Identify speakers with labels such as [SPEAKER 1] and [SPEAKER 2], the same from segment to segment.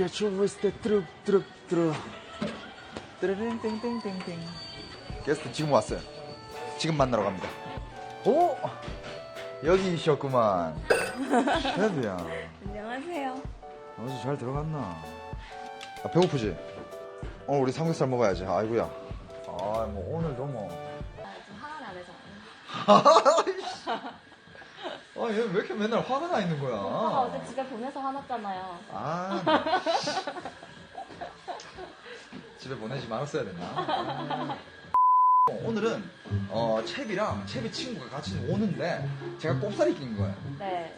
[SPEAKER 1] 개초 있을 때 뚜룩뚜룩뚜룩 뚜르릉땡땡땡땡. 게스트 지금 왔어요. 지금 만나러 갑니다. 오! 여기셨구만. 셰프야.
[SPEAKER 2] 안녕하세요.
[SPEAKER 1] 어제 잘 들어갔나? 아, 배고프지? 오늘 우리 삼겹살 먹어야지. 아이고야. 아, 뭐 오늘도 뭐.
[SPEAKER 2] 좀 화가 나네서.
[SPEAKER 1] 아, 얘 왜 이렇게 맨날 화가 나 있는 거야?
[SPEAKER 2] 오빠가 어제 집에 보내서 화났잖아요.
[SPEAKER 1] 아. 집에 보내지 말았어야 됐나? 오늘은 채비랑 채비 친구가 같이 오는데 제가 꼽살이 낀 거예요.
[SPEAKER 2] 네.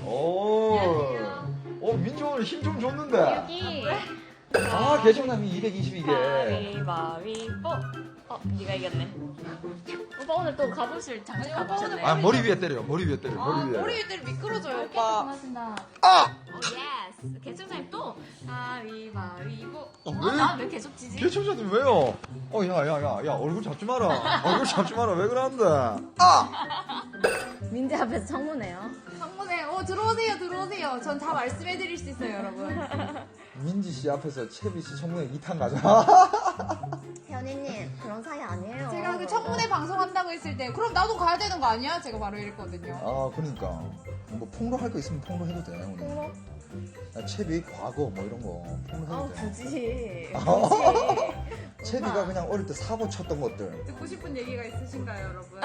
[SPEAKER 1] 오, 민지 오늘 힘 좀 줬는데.
[SPEAKER 2] 여기.
[SPEAKER 1] 아, 개정남이 222개.
[SPEAKER 2] 가위바위보. 네가 이겼네. 오빠 오늘 또 가보실 장식 가보셨네.
[SPEAKER 1] 아, 머리 위에 때려. 머리 위에 때려. 머리 위에.
[SPEAKER 3] 머리 위들 미끄러져요,
[SPEAKER 2] 오빠.
[SPEAKER 3] 오빠.
[SPEAKER 2] 고맙습니다.
[SPEAKER 1] 아!
[SPEAKER 2] 예스. 개청사님 또 가위바위보.
[SPEAKER 1] 왜?
[SPEAKER 2] 나왜 계속 지지?
[SPEAKER 1] 개청자님 왜요? 야, 얼굴 잡지 마라. 얼굴 잡지 마라. 왜 그러는데? 아!
[SPEAKER 2] 민지 앞에서 청문해요.
[SPEAKER 3] 창문에, 들어오세요. 전 다 말씀해드릴 수 있어요, 여러분.
[SPEAKER 1] 민지 씨 앞에서 채비 씨 청문회 2탄 가자.
[SPEAKER 2] 현이님 그런 사이 아니에요.
[SPEAKER 3] 제가 그 청문회 방송한다고 했을 때, 그럼 나도 가야 되는 거 아니야? 제가 바로 이랬거든요.
[SPEAKER 1] 아, 그러니까. 뭐 폭로할 거 있으면 폭로해도 돼, 오늘.
[SPEAKER 2] 폭로?
[SPEAKER 1] 야, 채비 과거 뭐 이런 거 폭로해도 돼.
[SPEAKER 2] 굳이.
[SPEAKER 1] 채비가 그냥 어릴 때 사고 쳤던 것들.
[SPEAKER 3] 듣고 싶은 얘기가 있으신가요, 여러분?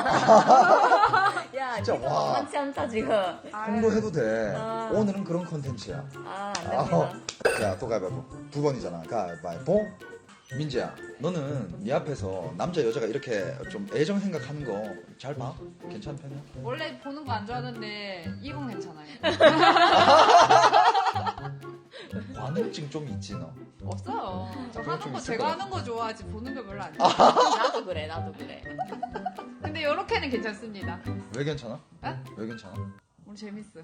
[SPEAKER 2] 야,
[SPEAKER 1] 진짜,
[SPEAKER 2] 진짜
[SPEAKER 1] 와.
[SPEAKER 2] 만만치 않다 지금.
[SPEAKER 1] 폭로해도 돼.
[SPEAKER 2] 아.
[SPEAKER 1] 오늘은 그런 컨텐츠야.
[SPEAKER 2] 안 됩니다.
[SPEAKER 1] 자, 또 가위바위보. 두 번이잖아. 가위바위보. 민지야, 너는 네 앞에서 남자 여자가 이렇게 좀 애정 생각하는 거 잘 봐? 괜찮은 편이야?
[SPEAKER 3] 원래 보는 거 안 좋아하는데, 이건 괜찮아요.
[SPEAKER 1] 관음증 좀 있지 너?
[SPEAKER 3] 없어요. 저
[SPEAKER 1] 그거 좀
[SPEAKER 3] 하는 거
[SPEAKER 1] 있을
[SPEAKER 3] 제가
[SPEAKER 1] 것
[SPEAKER 3] 하는 거 좋아하지, 보는 거 별로 안
[SPEAKER 1] 아.
[SPEAKER 3] 좋아해요.
[SPEAKER 2] 나도 그래.
[SPEAKER 3] 근데 이렇게는 괜찮습니다.
[SPEAKER 1] 왜 괜찮아?
[SPEAKER 3] 에?
[SPEAKER 1] 왜 괜찮아?
[SPEAKER 3] 오늘 재밌어.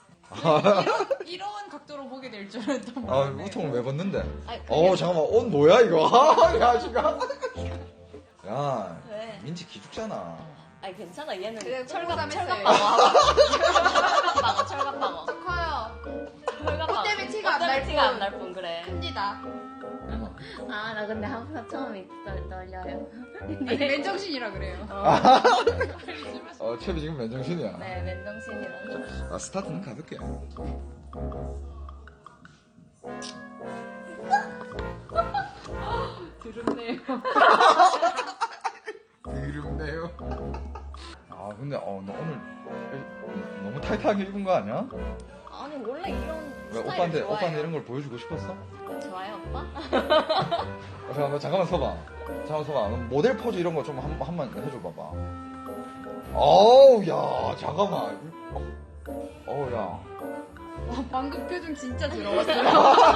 [SPEAKER 3] 이런 각도로 보게 될 줄은 또
[SPEAKER 1] 아,
[SPEAKER 3] 몰랐네.
[SPEAKER 1] 우통을 왜 벗는데?
[SPEAKER 2] 아니, 그게-
[SPEAKER 1] 잠깐만, 옷 뭐야 이거? 야, 지금. 야,
[SPEAKER 2] 왜?
[SPEAKER 1] 민지 기죽잖아.
[SPEAKER 2] 아니 괜찮아 얘는
[SPEAKER 3] 그래,
[SPEAKER 2] 철갑
[SPEAKER 3] 꼼꼼했어요.
[SPEAKER 2] 철갑방어.
[SPEAKER 3] 커요.
[SPEAKER 2] 철갑방어.
[SPEAKER 3] 옷 때문에 티가 안날 뿐.
[SPEAKER 2] 티가 안 날 뿐 그래.
[SPEAKER 3] 합니다.
[SPEAKER 2] 아 나 근데 항상 처음이 떨려요.
[SPEAKER 3] 아니, 맨정신이라 그래요.
[SPEAKER 1] 채비 지금 맨정신이야.
[SPEAKER 2] 네 맨정신이라서.
[SPEAKER 1] 아, 스타트는 가볍게.
[SPEAKER 3] 드럽네요.
[SPEAKER 1] 드럽네요. 아, 근데 너 오늘 너무 타이트하게 입은 거 아니야?
[SPEAKER 2] 아니 원래 이런
[SPEAKER 1] 왜
[SPEAKER 2] 스타일
[SPEAKER 1] 오빠한테 이런 걸 보여주고 싶었어?
[SPEAKER 2] 좋아요 오빠?
[SPEAKER 1] 잠깐만 서봐. 너 모델 포즈 이런 거 좀 한번 해줘 봐봐. 어우, 야, 잠깐만. 어우, 야.
[SPEAKER 3] 방금 표정 진짜 더러웠어요.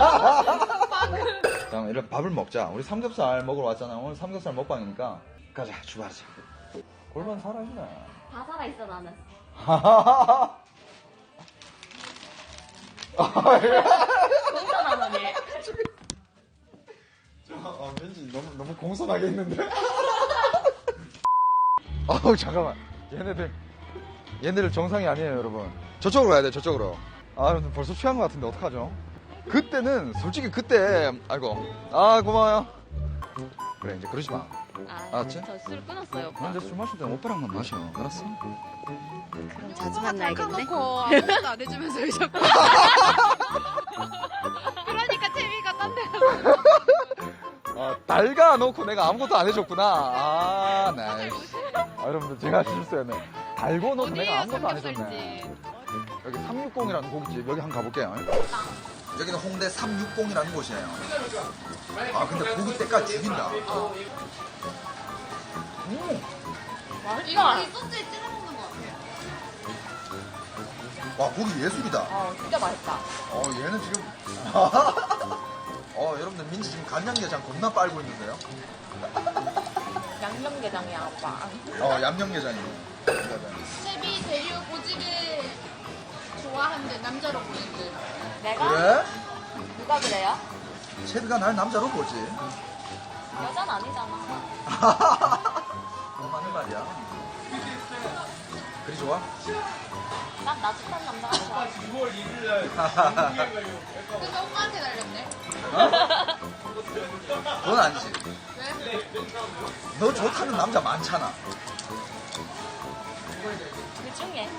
[SPEAKER 1] 잠깐만, 이런 밥을 먹자. 우리 삼겹살 먹으러 왔잖아. 오늘 삼겹살 먹방이니까. 가자, 출발하자. 골반 살아있네.
[SPEAKER 2] 다 살아있어 나는. 공손하더니.
[SPEAKER 1] 왠지 너무 공손하게 했는데. 아우, 잠깐만. 얘네들 정상이 아니에요, 여러분. 저쪽으로 가야 돼, 저쪽으로. 아, 여러분 벌써 취한 것 같은데 어떡하죠? 그때는, 솔직히 그때, 아이고. 아, 고마워요. 그래, 이제 그러지 마. 알았지?
[SPEAKER 2] 저 술 끊었어요 오빠.
[SPEAKER 1] 나 이제 술 마실 때 오빠랑만 마셔. 알았어?
[SPEAKER 2] 그럼 자주 만나야겠네.
[SPEAKER 3] 놓고 아무것도 안 해주면서 왜 자꾸. 그러니까 재미가 딴 데 가서.
[SPEAKER 1] 달가 놓고 내가 아무것도 안 해줬구나. 아, 네. 여러분들, 제가 실수했네. 달고 놓고 내가 아무것도 안 해줬네. 여기 360이라는 고깃집, 여기 한번 가볼게요. 여기는 홍대 360이라는 곳이에요. 아, 근데 고기 때깔 죽인다.
[SPEAKER 2] 맛있다.
[SPEAKER 3] 이 소스에 찍어 먹는 거 같아요.
[SPEAKER 1] 와, 고기 예술이다.
[SPEAKER 2] 진짜 맛있다.
[SPEAKER 1] 얘는 지금. 여러분들, 민지 지금 간장게장 겁나 빨고 있는데요?
[SPEAKER 2] 양념게장이야 오빠.
[SPEAKER 1] 얌양게장이네.
[SPEAKER 3] 셰비 대류 보직을 좋아한대, 남자로 보직을.
[SPEAKER 2] 내가?
[SPEAKER 1] 그래?
[SPEAKER 2] 누가 그래요?
[SPEAKER 1] 채비가 날 남자로 보지.
[SPEAKER 2] 여자는 아니잖아.
[SPEAKER 1] 너 맞는 말이야. 그리 좋아?
[SPEAKER 2] 난 나직한 남자가 좋아.
[SPEAKER 3] 근데 오빠한테 달렸네.
[SPEAKER 1] 그건 아니지.
[SPEAKER 3] 왜?
[SPEAKER 1] 너 좋다는 남자 많잖아.
[SPEAKER 2] 그 중에.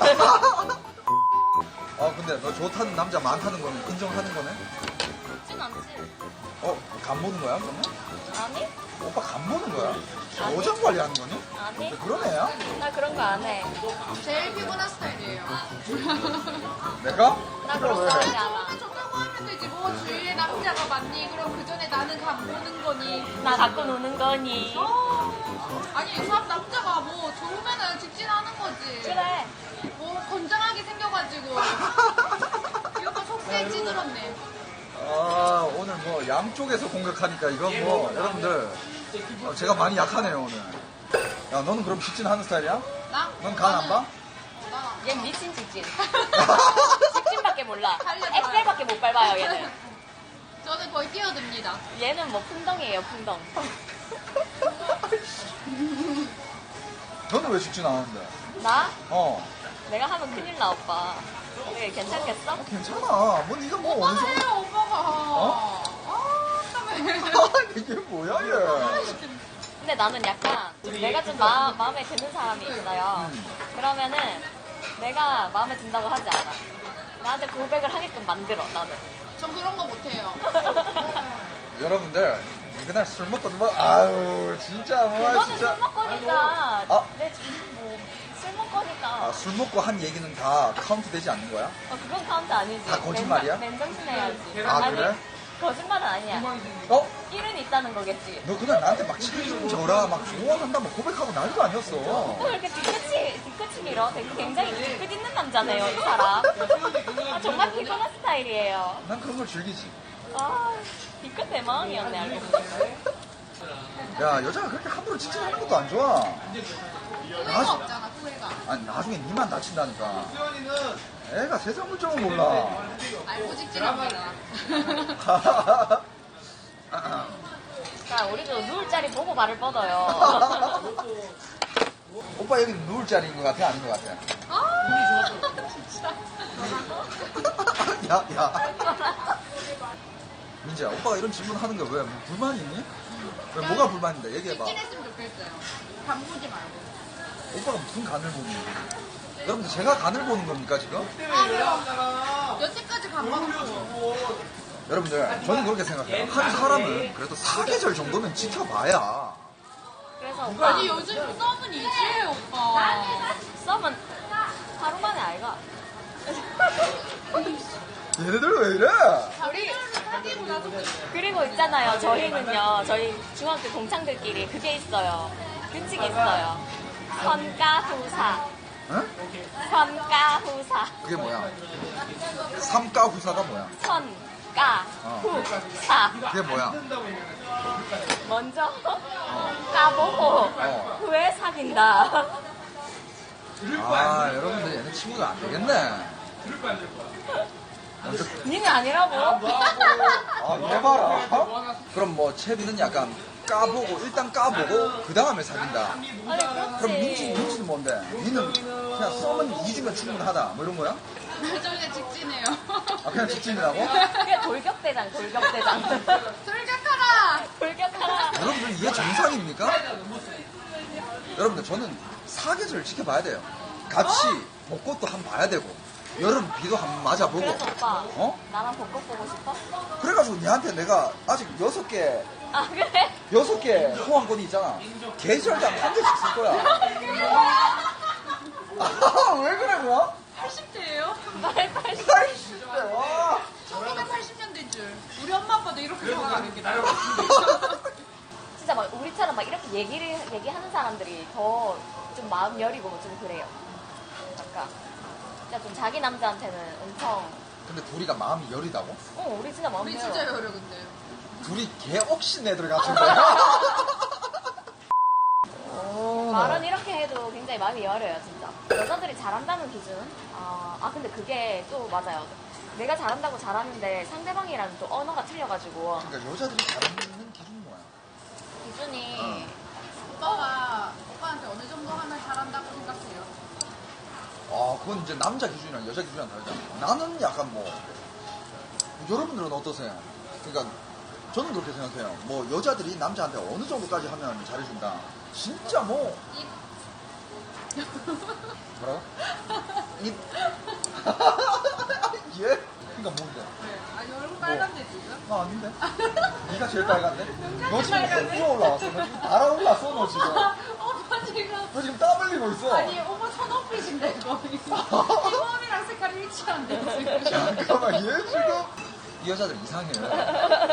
[SPEAKER 1] 근데 너 좋다는 남자 많다는 거는 인정하는 거네?
[SPEAKER 2] 좋진 않지.
[SPEAKER 1] 간 보는 거야, 그러면?
[SPEAKER 2] 아니?
[SPEAKER 1] 오빠 간 보는 거야?
[SPEAKER 2] 아니.
[SPEAKER 1] 여장 관리하는 거니?
[SPEAKER 2] 아니?
[SPEAKER 1] 그런 애야?
[SPEAKER 2] 나 그런 거 안 해.
[SPEAKER 3] 제일 피곤한 스타일이에요.
[SPEAKER 1] 내가?
[SPEAKER 2] 나 그런 거 하지 않아.
[SPEAKER 3] 좋다고 하면 되지. 뭐 주위에 남자가 많니? 그럼 그 전에 나는 간 보는 거니?
[SPEAKER 2] 나 갖고 노는 거니.
[SPEAKER 3] 아니 사람 남자가 뭐 좋으면은 직진하는 거지.
[SPEAKER 2] 그래.
[SPEAKER 3] 뭐 건장하게 생겨가지고 이렇게 속세 찌들었네.
[SPEAKER 1] 오늘 뭐 양쪽에서 공격하니까 이건 뭐 여러분들 제가 많이 약하네요 오늘. 야 너는 그럼 직진하는 스타일이야?
[SPEAKER 3] 나?
[SPEAKER 1] 넌 간 안 봐?
[SPEAKER 3] 나.
[SPEAKER 2] 얘 미친 직진. 직진밖에 몰라.
[SPEAKER 3] 달려줘요.
[SPEAKER 2] 엑셀밖에 못 밟아요 얘는.
[SPEAKER 3] 저는 거의 뛰어듭니다.
[SPEAKER 2] 얘는 뭐 풍덩이에요 풍덩.
[SPEAKER 1] 너는 왜 직진 안 하는데?
[SPEAKER 2] 나?
[SPEAKER 1] 어
[SPEAKER 2] 내가 하면 큰일 나 오빠. 그게 괜찮겠어?
[SPEAKER 1] 괜찮아. 뭐 네가 뭐 어느
[SPEAKER 3] 오빠가
[SPEAKER 1] 정도.
[SPEAKER 3] 해요 오빠가.
[SPEAKER 1] 어?
[SPEAKER 3] 땀에.
[SPEAKER 1] 이게 뭐야 얘?
[SPEAKER 2] 근데 나는 약간 내가 좀 마음에 드는 사람이 있어요. 그러면은 내가 마음에 든다고 하지 않아. 나한테 고백을 하게끔 만들어 나는.
[SPEAKER 3] 전 그런 거 못해요.
[SPEAKER 1] 여러분들 그날 술 먹고 뭐 아유 진짜 뭐
[SPEAKER 2] 그거는
[SPEAKER 1] 진짜.
[SPEAKER 2] 술 먹거니까
[SPEAKER 1] 어?
[SPEAKER 2] 술 먹거니까.
[SPEAKER 1] 술 먹고 한 얘기는 다 카운트 되지 않는 거야?
[SPEAKER 2] 그건 카운트 아니지.
[SPEAKER 1] 다 거짓말이야?
[SPEAKER 2] 맨정신 해야지.
[SPEAKER 1] 아,
[SPEAKER 2] 아니,
[SPEAKER 1] 그래?
[SPEAKER 2] 거짓말은 아니야.
[SPEAKER 1] 어?
[SPEAKER 2] 일은 있다는 거겠지.
[SPEAKER 1] 너 그날 나한테 막 책임 져라 막 좋아한다 막 고백하고 난리도 아니었어.
[SPEAKER 2] 또 이렇게 뒤끝이 밀어. 되게 굉장히 뒤끝 있는 남자네요, 이 사람. 아, 정말 피곤한 스타일이에요.
[SPEAKER 1] 난 그런 걸 즐기지.
[SPEAKER 2] 아, 뒤끝 대망이었네, 알고 보니까.
[SPEAKER 1] 야 여자가 그렇게 함부로 직진하는 것도 안 좋아.
[SPEAKER 3] 후회가 없잖아 후회가.
[SPEAKER 1] 아니 나중에 니만 다친다니까. 애가 세상 물정을 몰라.
[SPEAKER 3] 알고 직진합니다.
[SPEAKER 2] 그러니까 우리도 누울 자리 보고 발을 뻗어요.
[SPEAKER 1] 오빠 여기 누울 자리인 것 같아 아닌 것 같아?
[SPEAKER 3] 아 진짜.
[SPEAKER 1] 야. 민지야 오빠가 이런 질문 하는 게 왜 불만이 있니? 왜 뭐가 불만인데 얘기해봐.
[SPEAKER 3] 직진했으면 좋겠어요. 간 보지 말고.
[SPEAKER 1] 오빠가 무슨 간을 보니? 여러분들 제가 간을 보는 겁니까 지금?
[SPEAKER 3] 여태까지 간 봐놓고.
[SPEAKER 1] 여러분들 저는 그렇게 생각해요. 한 사람은 그래도 사계절 정도는 지켜봐야.
[SPEAKER 2] 그래서 오빠,
[SPEAKER 3] 아니 요즘 썸은 이지예요 오빠.
[SPEAKER 2] 썸은 하루 만에 알가.
[SPEAKER 1] 얘네들 왜 이래?
[SPEAKER 3] 우리 사귀고 나서
[SPEAKER 2] 그리고 있잖아요, 저희는요, 저희 중학교 동창들끼리 그게 있어요. 규칙이 있어요. 선가후사.
[SPEAKER 1] 응?
[SPEAKER 2] 선가후사.
[SPEAKER 1] 그게 뭐야? 삼가후사가 뭐야?
[SPEAKER 2] 선가후사.
[SPEAKER 1] 그게 뭐야?
[SPEAKER 2] 먼저 까보고 후에 사귄다.
[SPEAKER 1] 여러분들 얘네 친구가 안 되겠네. 먼저
[SPEAKER 2] 니는 아니라고?
[SPEAKER 1] 얘 봐라. 그럼 뭐 채비는 약간 까보고 일단 까보고 그 다음에 사귄다.
[SPEAKER 2] 아니
[SPEAKER 1] 그럼
[SPEAKER 2] 그렇지.
[SPEAKER 1] 민지는 뭔데? 니는 그냥 썸은 2주면 충분하다. 뭐 이런 거야?
[SPEAKER 3] 저희가 직진해요.
[SPEAKER 1] 그냥 직진이라고?
[SPEAKER 2] 그게 돌격대장.
[SPEAKER 3] 돌격하라.
[SPEAKER 2] 돌격하라.
[SPEAKER 1] 여러분들 이게 정상입니까? 여러분들 저는 사계절 지켜봐야 돼요. 같이 벚꽃도 한번 봐야 되고 여름 비도 한번 맞아보고.
[SPEAKER 2] 그래서 오빠,
[SPEAKER 1] 어?
[SPEAKER 2] 나랑 벚꽃 보고 싶어?
[SPEAKER 1] 그래가지고 니한테 내가 아직 6개
[SPEAKER 2] 아 그래?
[SPEAKER 1] 6개 호환권이 있잖아. 계절당 한 개씩 쓸 거야. 왜 그래 뭐?
[SPEAKER 3] 80대예요?
[SPEAKER 2] 말
[SPEAKER 1] 80대 와.
[SPEAKER 3] 1980년대인 줄. 우리 엄마 아빠도 이렇게 생각하는 게 나요.
[SPEAKER 2] 진짜 막 우리처럼 막 이렇게 얘기하는 사람들이 더 좀 마음 여리고 좀 그래요. 약간 진짜 좀 자기 남자한테는 엄청
[SPEAKER 1] 근데 둘이가 마음이 여리다고?
[SPEAKER 2] 우리 진짜 마음
[SPEAKER 3] 우리
[SPEAKER 2] 여려.
[SPEAKER 3] 진짜 여려 근데.
[SPEAKER 1] 둘이 개 억신 애들 같은 거야.
[SPEAKER 2] 말은 이렇게 해도 굉장히 마음이 여려요 진짜. 여자들이 잘한다는 기준은? 근데 그게 또 맞아요. 내가 잘한다고 잘하는데 상대방이랑 또 언어가 틀려가지고
[SPEAKER 1] 그러니까 여자들이 잘하는 기준이 뭐야?
[SPEAKER 2] 기준이
[SPEAKER 3] 오빠가 오빠한테 어느 정도 하면 잘한다고 생각해요?
[SPEAKER 1] 그건 이제 남자 기준이랑 여자 기준이랑 다르잖아. 나는 약간 뭐, 여러분들은 어떠세요? 그러니까, 저는 그렇게 생각해요. 뭐, 여자들이 남자한테 어느 정도까지 하면 잘해준다. 진짜 뭐. 뭐라고? 입. 예? 그러니까 뭔데?
[SPEAKER 3] 아니 얼굴 빨간데 지금?
[SPEAKER 1] 나 아닌데? 네가 제일 빨간데? 너 지금
[SPEAKER 3] 빨간데?
[SPEAKER 1] 헛구어 올라왔어. 너 지금 달아올랐어, 너 지금.
[SPEAKER 3] 오빠 지금
[SPEAKER 1] 너 지금 땀 흘리고 있어.
[SPEAKER 3] 아니 오빠 손오피신데 거의 이몸이랑 색깔이 일치한데 지금.
[SPEAKER 1] 잠깐만, 얘 지금. 이 여자들 이상해요.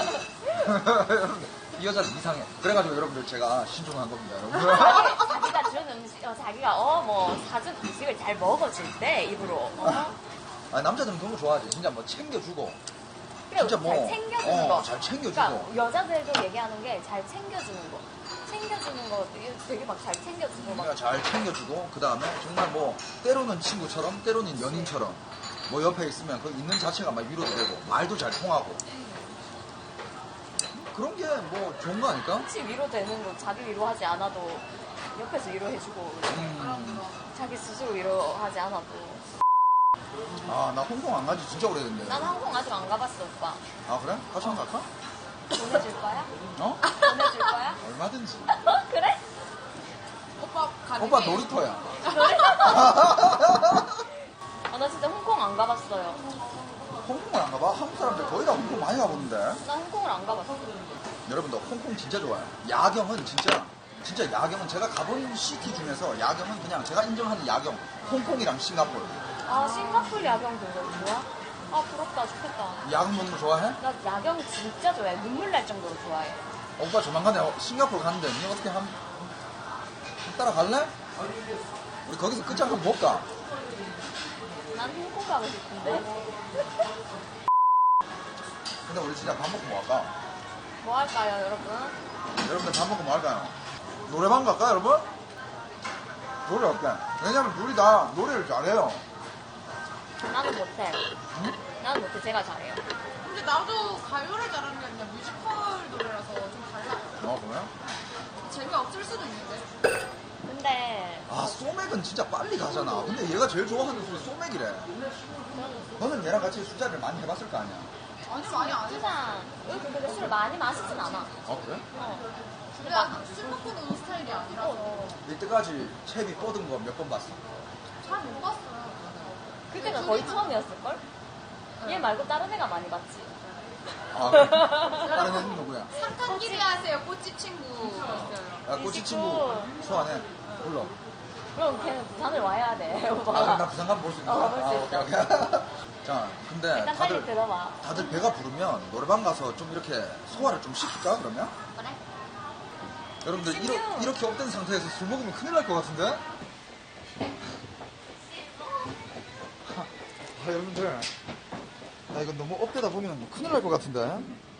[SPEAKER 1] 이 여자들 이상해. 그래가지고 여러분들 제가 신중한 겁니다, 여러분.
[SPEAKER 2] 자기가 준 음식, 자기가 뭐 사준 음식을 잘 먹어줄 때 입으로.
[SPEAKER 1] 아니, 남자들은 그런 거 좋아하지. 진짜 뭐 챙겨주고.
[SPEAKER 2] 그래,
[SPEAKER 1] 진짜 뭐.
[SPEAKER 2] 잘 챙겨주는 거.
[SPEAKER 1] 잘 챙겨주고.
[SPEAKER 2] 그러니까 여자들도 얘기하는 게 잘 챙겨주는 거. 챙겨주는 거 되게 막 잘 챙겨주고 막.
[SPEAKER 1] 그러니까 잘 챙겨주고, 그 다음에 정말 뭐, 때로는 친구처럼, 때로는 연인처럼, 뭐 옆에 있으면 그 있는 자체가 막 위로도 되고, 말도 잘 통하고. 그런 게 뭐 좋은 거 아닐까?
[SPEAKER 2] 같이 위로되는 거 자기 위로하지 않아도 옆에서 위로해주고 자기 스스로 위로하지 않아도.
[SPEAKER 1] 아, 나 홍콩 안 가지 진짜 오래됐네.
[SPEAKER 2] 난 항공 아직 안 가봤어 오빠.
[SPEAKER 1] 아, 그래? 같이 한번 갈까?
[SPEAKER 2] 보내줄 거야?
[SPEAKER 1] 어?
[SPEAKER 2] 보내줄 거야?
[SPEAKER 1] 얼마든지.
[SPEAKER 2] 그래?
[SPEAKER 3] 오빠 가는
[SPEAKER 1] 오빠
[SPEAKER 3] 게
[SPEAKER 1] 놀이터야.
[SPEAKER 2] 나 진짜 홍콩 안 가봤어요.
[SPEAKER 1] 홍콩을 안 가봐? 한국 사람들 거의 다 홍콩 많이 가보는데.
[SPEAKER 2] 나 홍콩을 안 가봤어.
[SPEAKER 1] 여러분들 홍콩 진짜 좋아요. 야경은 진짜 야경은 제가 가본 시티 중에서 야경은 그냥 제가 인정하는 야경 홍콩이랑 싱가포르.
[SPEAKER 2] 아 싱가포르 야경 되게 좋아? 아 부럽다 좋겠다.
[SPEAKER 1] 야경 보는 거 좋아해?
[SPEAKER 2] 나 야경 진짜 좋아해. 눈물 날 정도로 좋아해.
[SPEAKER 1] 오빠 조만간에 싱가포르 가는데 니 어떻게 따라갈래? 우리 거기서 끝장 한번 볼까?
[SPEAKER 2] 난 홍콩 가고 싶은데.
[SPEAKER 1] 근데 우리 진짜 밥 먹고 뭐 할까?
[SPEAKER 2] 뭐 할까요 여러분?
[SPEAKER 1] 여러분들 밥 먹고 뭐 할까요? 노래방 갈까 여러분? 노래 어때? 왜냐면 둘이 다 노래를 잘해요.
[SPEAKER 2] 나는 못해. 나는 못해. 제가 잘해요.
[SPEAKER 3] 근데 나도 가요를 잘하는 게 아니라 뮤지컬 노래라서 좀 달라.
[SPEAKER 1] 그래?
[SPEAKER 3] 재미가 없을 수도 있는데.
[SPEAKER 2] 근데
[SPEAKER 1] 아, 소맥은 진짜 빨리 가잖아. 근데 얘가 제일 좋아하는 술이 소맥이래. 너는 얘랑 같이 술자리를 많이 해봤을 거 아니야?
[SPEAKER 3] 아니 많이 안 해.
[SPEAKER 2] 수상 근데 술을 많이 마시진 않아.
[SPEAKER 1] 그래?
[SPEAKER 3] 근데 술 먹고 노는 스타일이 아니라서
[SPEAKER 1] 이때까지 채비 뻗은 거 몇 번 봤어?
[SPEAKER 3] 잘 못 봤어요.
[SPEAKER 2] 그때가 거의 처음이었을걸? 얘 말고 다른 애가 많이 봤지.
[SPEAKER 1] 아, 그래? 다른 애는 누구야?
[SPEAKER 3] 상탄 기대하세요. 꼬치 친구 있어요.
[SPEAKER 1] 야, 꼬치 친구 소환해. 불러.
[SPEAKER 2] 그럼 걔는 부산을 와야 돼, 오빠.
[SPEAKER 1] 아, 그럼 나 부산 가면 볼 수 있는 거야?
[SPEAKER 2] 볼 수 있어.
[SPEAKER 1] 오케이, 오케이. 자, 근데
[SPEAKER 2] 일단 빨리 들어봐.
[SPEAKER 1] 다들 배가 부르면 노래방 가서 좀 이렇게 소화를 좀 시킬까, 그러면?
[SPEAKER 2] 그래?
[SPEAKER 1] 여러분들,
[SPEAKER 2] 신기해요.
[SPEAKER 1] 이렇게 업된 상태에서 술 먹으면 큰일 날 것 같은데? 여러분들. 나 이거 너무 업되다 보면 큰일 날 것 같은데?